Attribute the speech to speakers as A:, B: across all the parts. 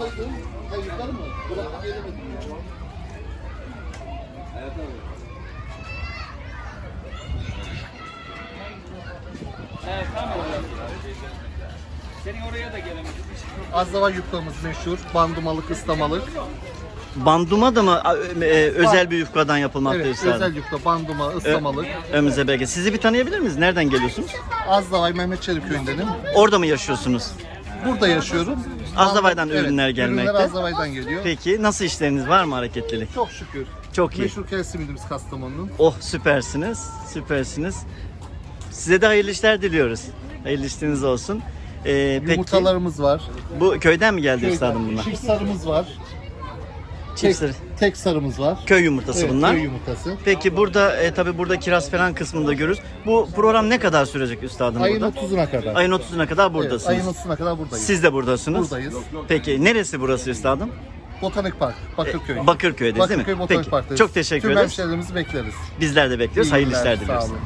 A: buradaydım. Yukarı mı? Bırakıp gelemedim ya. Evet abi.
B: Evet, tamam. Senin oraya da gelemedim.
A: Azdava yufkamız meşhur. Bandumalık, ıslamalık.
C: Banduma da mı özel bir yufkadan yapılmakta
A: Evet,
C: üstadım?
A: özel yufka, banduma, ıslamalık.
C: Ömrünüze bereket. Sizi bir tanıyabilir miyiz? Nereden geliyorsunuz?
A: Azdavay Mehmet Çelik köyündenim.
C: Orada mı yaşıyorsunuz?
A: Burada yaşıyorum.
C: Azdavay'dan
A: Evet,
C: ürünler gelmekte.
A: Ürünler Azdavay'dan geliyor.
C: Peki nasıl işleriniz var mı, hareketlilik?
A: Çok şükür.
C: Çok iyi.
A: Meşhur kel simidimiz Kastamonu'nun.
C: Oh, süpersiniz. Süpersiniz. Size de hayırlı işler diliyoruz. Hayırlı işleriniz olsun. Peki
A: Yumurtalarımız var.
C: bu köyden mi geldi üstadım bunlar?
A: Çift sarımız var.
C: Çift sarı.
A: Tek sarımız var.
C: Köy yumurtası
A: Evet,
C: bunlar.
A: köy yumurtası.
C: Peki burada tabii burada kiraz falan kısmında görürüz. Bu program ne kadar sürecek üstadım
A: Ayın
C: burada?
A: 30'una kadar.
C: Ayın 30'una kadar
A: Evet,
C: buradasınız.
A: ayın 30'una kadar buradayız.
C: Siz de buradasınız.
A: Buradayız.
C: Peki neresi burası üstadım?
A: Botanik Park, Bakırköy.
C: Bakırköy'deyiz değil mi?
A: Bakırköy Botanik
C: Peki.
A: Park'tayız.
C: Çok teşekkür
A: Tüm
C: ederiz.
A: hemşehrilerimizi bekleriz.
C: Bizler de bekliyoruz.
A: İyi
C: Hayırlı
A: günler,
C: işler
A: sağ
C: diliyoruz.
A: olun.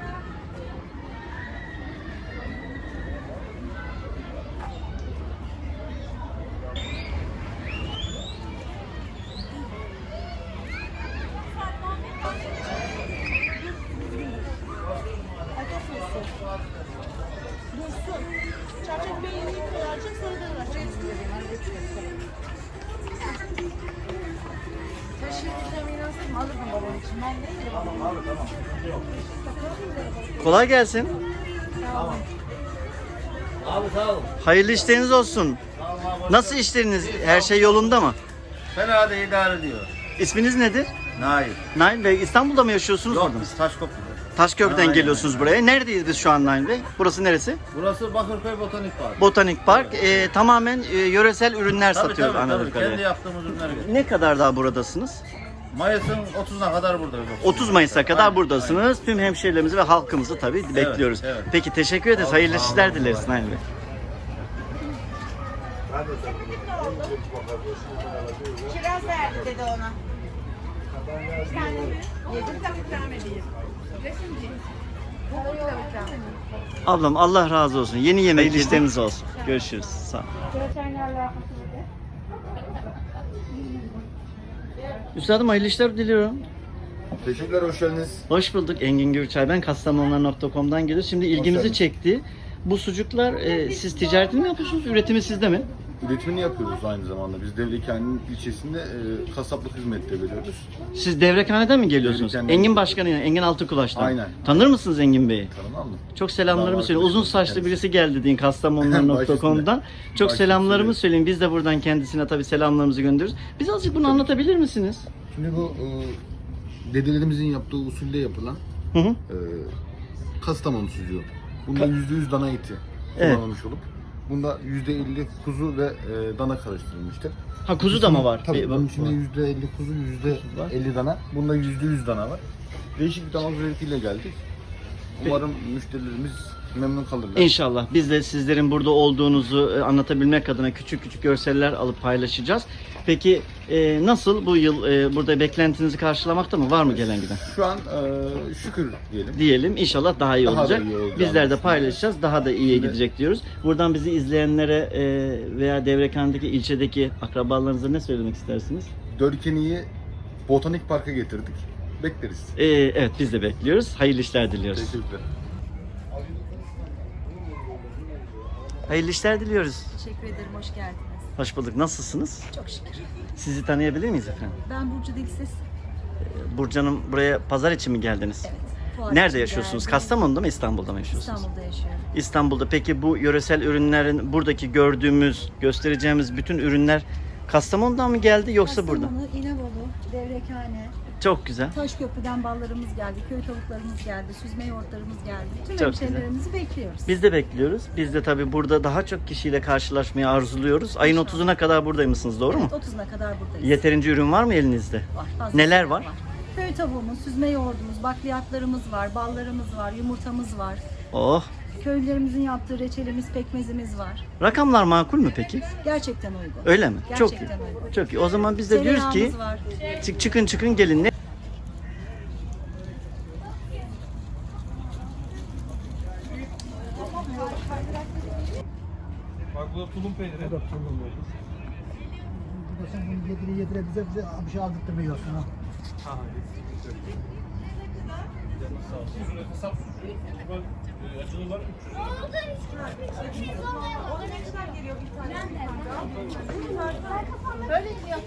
D: Çarçak beynini koyacak, sonra da bırakacak. Taşıyıcıdan inançsın, alırdım babam için. Ben değilim.
C: Kolay gelsin.
B: Abi sağ ol.
C: Hayırlı işleriniz olsun. Nasıl işleriniz? Her şey yolunda mı?
E: Fena da idare ediyor.
C: İsminiz nedir?
E: Nail.
C: Nail Bey, İstanbul'da mı yaşıyorsunuz?
E: Yok
C: Orada mı?
E: biz Taşköprü'de.
C: Taşköprü'den
E: Aynen.
C: geliyorsunuz buraya. Neredeyiz biz şu an Nail Bey? Burası neresi?
E: Burası Bakırköy Botanik Park.
C: Botanik Park. Tamamen yöresel ürünler
E: Tabii
C: satıyoruz
E: tabii,
C: anladığım
E: kendi
C: kadarıyla.
E: yaptığımız ürünler getiriyoruz.
C: Ne kadar daha buradasınız?
E: Mayıs'ın 30'una kadar buradayız.
C: 30 Mayıs'a kadar
E: Aynen,
C: buradasınız. Tüm hemşehrilerimizi ve halkımızı tabii bekliyoruz.
E: evet.
C: Peki teşekkür ederiz. Hayırlı işler dileriz Nail Bey.
D: Kiraz verdi dedi ona. Bir tane mi? Yedim tabii ikram edeyim. Resimci. Bu tabii ikram edeyim.
C: Ablam Allah razı olsun. Yeni yemek işleriniz olsun. Görüşürüz. Sağ ol. Üstadım hayırlı işler diliyorum.
F: Teşekkürler, hoş geldiniz.
C: Hoş bulduk Engin Gürçay. Ben kastamonular.com'dan geliyorum. Şimdi ilgimizi
F: geldiniz.
C: çekti. Bu sucuklar siz ticaretini mi yapıyorsunuz? Üretimi sizde mi?
F: Üretimini yapıyoruz aynı zamanda. Biz Devlekhane'nin ilçesinde kasaplık hizmeti de veriyoruz.
C: Siz Devrekhane'den mi geliyorsunuz?
F: Devrekhane'den.
C: Engin Başkanı, Engin Altıkulaş'tan.
F: Aynen.
C: Tanır mısınız Engin Bey'i?
F: Tanımam mı?
C: Çok selamlarımı
F: Tamam,
C: söyleyin. Uzun saçlı
F: kendisi.
C: birisi geldi deyin kastamonular.com'dan. Çok
F: Baş
C: selamlarımı
F: üstüne.
C: söyleyin. Biz de buradan kendisine tabii selamlarımızı gönderiyoruz. Biz azıcık bunu anlatabilir misiniz?
F: Şimdi bu dedelerimizin yaptığı usulde yapılan
C: Hı hı.
F: Kastamonu sucuğu. Bunda %100 dana eti
C: Evet.
F: kullanılmış olup bunda %50 kuzu ve dana karıştırılmıştır.
C: Ha kuzu da mı var?
F: Tabii bunun içinde
C: var.
F: %50 kuzu, %50 dana. Bunda %100 dana var. Değişik bir damak zevkiyle geldik. Umarım müşterilerimiz memnun kalırlar.
C: İnşallah. Biz de sizlerin burada olduğunuzu anlatabilmek adına küçük küçük görseller alıp paylaşacağız. Peki nasıl bu yıl burada beklentinizi karşılamakta mı? Var mı gelen giden?
F: Şu an şükür diyelim.
C: Diyelim. İnşallah daha iyi
F: Daha da
C: olacak.
F: iyi olacağını
C: Bizler de
F: düşünüyorum.
C: paylaşacağız. Daha da iyiye gidecek diyoruz. Buradan bizi izleyenlere veya Devrekhane'deki ilçedeki akrabalarınıza ne söylemek istersiniz?
F: Dörkeni'yi Botanik Park'a getirdik. Bekleriz.
C: Evet biz de bekliyoruz. Hayırlı işler diliyoruz.
F: Teşekkürler.
C: Hayırlı işler diliyoruz.
G: Teşekkür ederim, hoş geldiniz.
C: Hoş bulduk. Nasılsınız?
G: Çok şükür.
C: Sizi tanıyabilir miyiz efendim?
G: Ben Burcu Dilsiz.
C: Burcu Hanım, buraya pazar için mi geldiniz?
G: Evet. fuar
C: Nerede
G: için
C: yaşıyorsunuz?
G: geldim.
C: Kastamonu'da mı, İstanbul'da mı yaşıyorsunuz?
G: İstanbul'da yaşıyorum.
C: İstanbul'da. Peki bu yöresel ürünlerin, buradaki gördüğümüz, göstereceğimiz bütün ürünler Kastamonu'dan mı geldi yoksa burada?
G: Kastamonu, İnebolu, Devrekhane,
C: Çok güzel.
G: Taşköprü'den ballarımız geldi, köy tavuklarımız geldi, süzme yoğurtlarımız geldi. Tüm
C: Çok
G: hemşehrilerimizi bekliyoruz.
C: Biz de bekliyoruz. Biz de tabii burada daha çok kişiyle karşılaşmayı arzuluyoruz. Ayın 30'una kadar buradaymışsınız, doğru mu?
G: Evet, 30'una kadar buradayız.
C: Yeterince ürün var mı elinizde?
G: Var, fazlasıyla
C: Neler var?
G: Köy tavuğumuz, süzme yoğurdumuz, bakliyatlarımız var, ballarımız var, yumurtamız var.
C: Oh!
G: Köylülerimizin yaptığı reçelimiz, pekmezimiz var.
C: Rakamlar makul mü peki?
G: Gerçekten uygun.
C: Öyle mi? Çok iyi.
G: Gerçekten uygun.
C: Çok iyi. O zaman biz de diyoruz ki
G: Tereyağımız var.
C: çıkın gelin. Ne?
B: Bak bu da tulum peyniri.
H: burada sen bunu yedire bize bir şey aldırtmıyorsun ha.
D: Böyle diyor.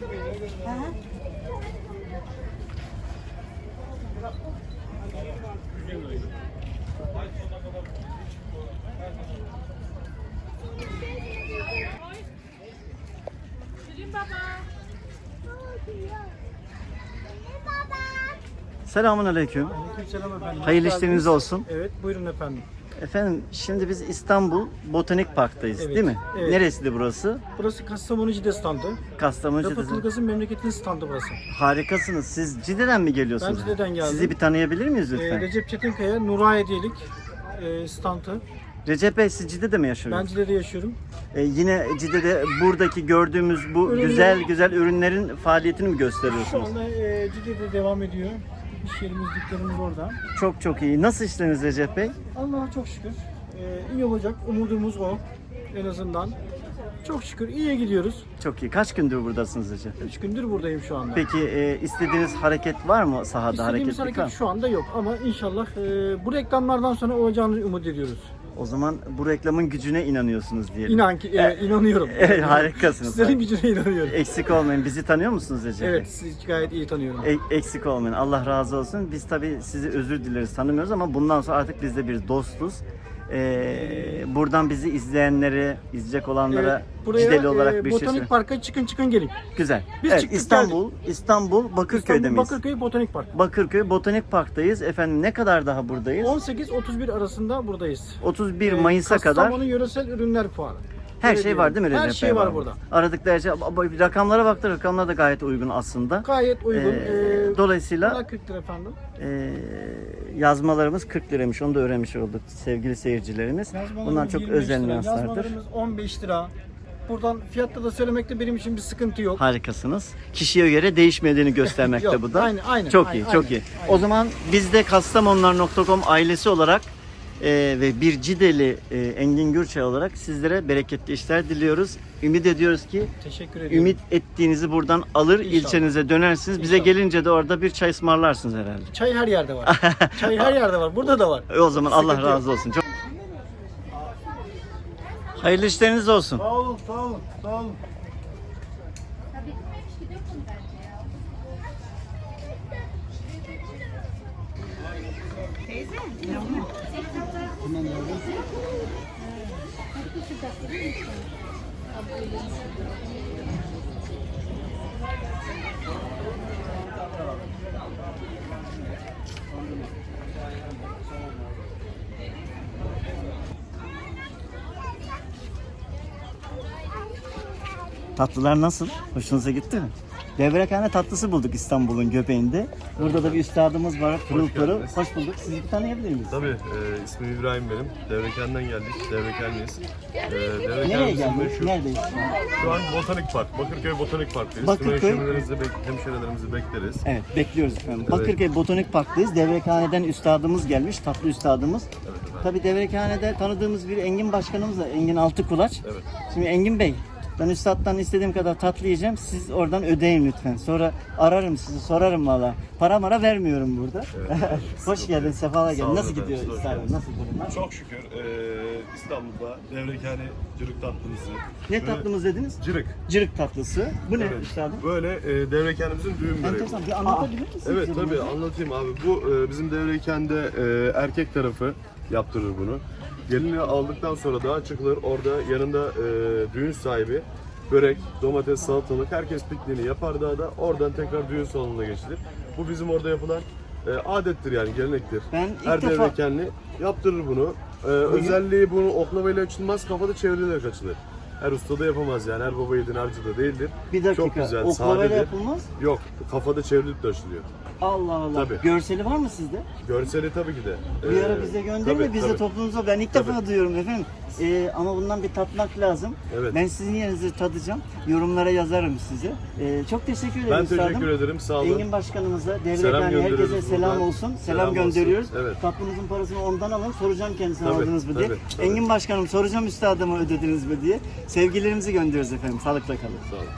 C: Selamun aleyküm.
H: Aleykümselam efendim.
C: Hayırlı
H: Hoş
C: işleriniz
H: geldiniz.
C: olsun.
H: Evet, buyurun efendim.
C: Efendim şimdi biz İstanbul Botanik Park'tayız
H: Evet,
C: değil mi?
H: evet.
C: Neresiydi burası?
H: Burası Kastamonu Cide standı.
C: Kastamonu
H: Rafet
C: Cide'de.
H: Ilgaz'ın memleketin standı burası.
C: Harikasınız. Siz Cide'den mi geliyorsunuz?
H: Ben Cide'den geldim.
C: Sizi bir tanıyabilir miyiz lütfen?
H: Recep Çetinkaya, Nura Hediyelik standı.
C: Recep Bey siz Cide'de mi yaşıyorsunuz?
H: Ben Cide'de yaşıyorum.
C: Yine Cide'de buradaki gördüğümüz bu
H: Ürünleri-
C: güzel ürünlerin faaliyetini mi
H: Şu
C: gösteriyorsunuz?
H: anda Cide'de devam ediyor. İş yerimiz, dükkanımız orada.
C: Çok iyi. Nasıl işleriniz Recep Bey?
H: Allah'a çok şükür. İyi olacak. Umudumuz o. En azından. Çok şükür iyiye gidiyoruz.
C: Çok iyi. Kaç gündür buradasınız Recep Bey?
H: 3 gündür buradayım şu anda.
C: Peki istediğiniz hareket var mı sahada?
H: İstediğimiz
C: Hareketlik var
H: hareket
C: mı?
H: şu anda yok ama inşallah bu reklamlardan sonra olacağını umut ediyoruz.
C: O zaman bu reklamın gücüne inanıyorsunuz diyelim.
H: İnan ki inanıyorum.
C: Evet, harikasınız.
H: Sizlerin gücüne inanıyorum.
C: Eksik olmayın. Bizi tanıyor musunuz Recep Bey?
H: Evet, sizi gayet iyi tanıyorum.
C: Eksik olmayın. Allah razı olsun. Biz tabii sizi özür dileriz, tanımıyoruz ama bundan sonra artık biz de bir dostuz. Buradan bizi izleyenlere, izleyecek olanlara
H: Evet, buraya
C: Cideli olarak bir şey
H: Botanik
C: söyle.
H: Park'a çıkın gelin.
C: Güzel.
H: Biz
C: Evet,
H: çıktık,
C: İstanbul Bakırköy'de
H: İstanbul
C: miyiz?
H: Bakırköy Botanik Park.
C: Bakırköy Botanik Park'tayız. Efendim ne kadar daha buradayız?
H: 18-31 arasında buradayız.
C: 31 Mayıs'a kadar
H: Kastamonu Yöresel Ürünler Fuarı.
C: her
H: Öyle
C: şey var değil mi
H: diyelim.
C: Recep
H: Her şey
C: Bey?
H: var burada.
C: Aradıkları her şey. Rakamlara baktık. Rakamlar da gayet uygun aslında.
H: Gayet uygun.
C: Dolayısıyla
H: Bunlar 40 lira efendim.
C: yazmalarımız 40 liraymış. Onu da öğrenmiş olduk sevgili seyircilerimiz.
H: Yazmalarımız
C: Bunlar çok
H: 25
C: özel
H: lira,
C: nüanslardır.
H: Yazmalarımız 15 lira. Buradan fiyatta da söylemekte benim için bir sıkıntı yok.
C: Harikasınız. Kişiye göre değişmediğini göstermekte
H: Yok,
C: bu da.
H: aynen,
C: çok
H: aynen,
C: iyi, çok iyi.
H: aynen.
C: O zaman biz de kastamonular.com ailesi olarak ve bir Cideli Engin Gürçay olarak sizlere bereketli işler diliyoruz. Ümit ediyoruz ki
H: Teşekkür ediyorum.
C: ümit ettiğinizi buradan alır,
H: İnşallah.
C: ilçenize dönersiniz. Bize
H: İnşallah.
C: gelince de orada bir çay ısmarlarsınız herhalde.
H: Çay her yerde var. Çay her yerde var. Burada da var.
C: O zaman Allah
H: Sıkıntı yok.
C: razı olsun. Çok hayırlı işleriniz olsun.
F: Sağ olun, sağ olun, sağ olun.
C: Tatlılar nasıl? Hoşunuza gitti mi? Devrekhane tatlısı bulduk İstanbul'un göbeğinde. Burada da bir üstadımız var. Pırıl pırıl. Hoş bulduk. Sizi bir tanıyabilir miyiz?
I: Tabii, ismim İbrahim benim. Devreken'den geldik, Devrekenliyiz.
C: Nereye
I: Devreken'imizin
C: geldik?
I: meşhur.
C: Neredeyiz şu an?
I: Şu an Botanik Park, Bakırköy Botanik Park'tayız.
C: Bakırköy.
I: Tüm hemşehrilerimizi bekleriz.
C: Evet, bekliyoruz efendim.
I: Evet.
C: Bakırköy Botanik Park'tayız. Devrekhane'den üstadımız gelmiş, tatlı üstadımız. Tabii Devrekhane'de tanıdığımız bir Engin Başkanımız var, Engin Altıkulaç.
I: Evet.
C: Şimdi Engin Bey, ben üstaddan istediğim kadar tatlı yiyeceğim. Siz oradan ödeyin lütfen. Sonra ararım sizi, sorarım valla. Para mara vermiyorum burada. Hoş geldin, sefalar geldin.
I: olun
C: Nasıl
I: efendim,
C: gidiyor
I: hoş
C: üstadım?
I: geldiniz.
C: Nasıl durumlar?
I: Çok şükür İstanbul'da Devrekane cırık tatlımızı.
C: Ne tatlımız dediniz?
I: Cırık.
C: Cırık tatlısı. Bu ne
I: Evet.
C: üstadım?
I: Böyle Devreken'imizin düğün böreği.
C: Enteresan. Bir anlatabilir misiniz?
I: Evet
C: bize
I: tabii
C: bunu?
I: anlatayım abi. Bu bizim Devreken'de erkek tarafı yaptırır bunu. Gelini aldıktan sonra daha çıkılır. Orada yanında düğün sahibi börek, domates, salatalık herkes pikniğini yapar daha da oradan tekrar düğün salonuna geçilir. Bu bizim orada yapılan adettir yani gelenektir.
C: Ben ilk
I: Her
C: defa-
I: Devrekenli yaptırır bunu. Özelliği bunu oklavayla açılmaz, kafada çevrilerek açılır. Her usta da yapamaz yani, her baba yiğidin harcı da değildir.
C: Bir dakika.
I: Çok güzel,
C: Oklavayla
I: sadedir.
C: yapılmaz.
I: Yok, kafada çevrilip de açılıyor.
C: Allah Allah.
I: Tabii.
C: Görseli var mı sizde?
I: Görseli tabii ki de.
C: Bir ara bize gönderin de
I: tabii,
C: biz de
I: tabii.
C: toplumuza. Ben ilk
I: Tabii.
C: defa duyuyorum efendim. Ama bundan bir tatmak lazım.
I: Evet.
C: Ben sizin yerinizi tadacağım. Yorumlara yazarım size. Çok teşekkür ederim
I: Ben
C: üstadım.
I: teşekkür ederim, sağ olun.
C: Engin Başkanımıza,
I: Selam
C: Devrekhane
I: gönderiyoruz
C: herkese selam
I: buradan.
C: olsun. Selam
I: Selam olsun.
C: gönderiyoruz.
I: Evet.
C: Tatlımızın parasını ondan alın. Soracağım kendisine
I: Tabii,
C: aldınız mı diye.
I: tabii.
C: Engin Başkanım soracağım üstadıma ödediniz mi diye. Sevgilerimizi gönderiyoruz efendim. Sağlıkla kalın.
I: Sağ olun.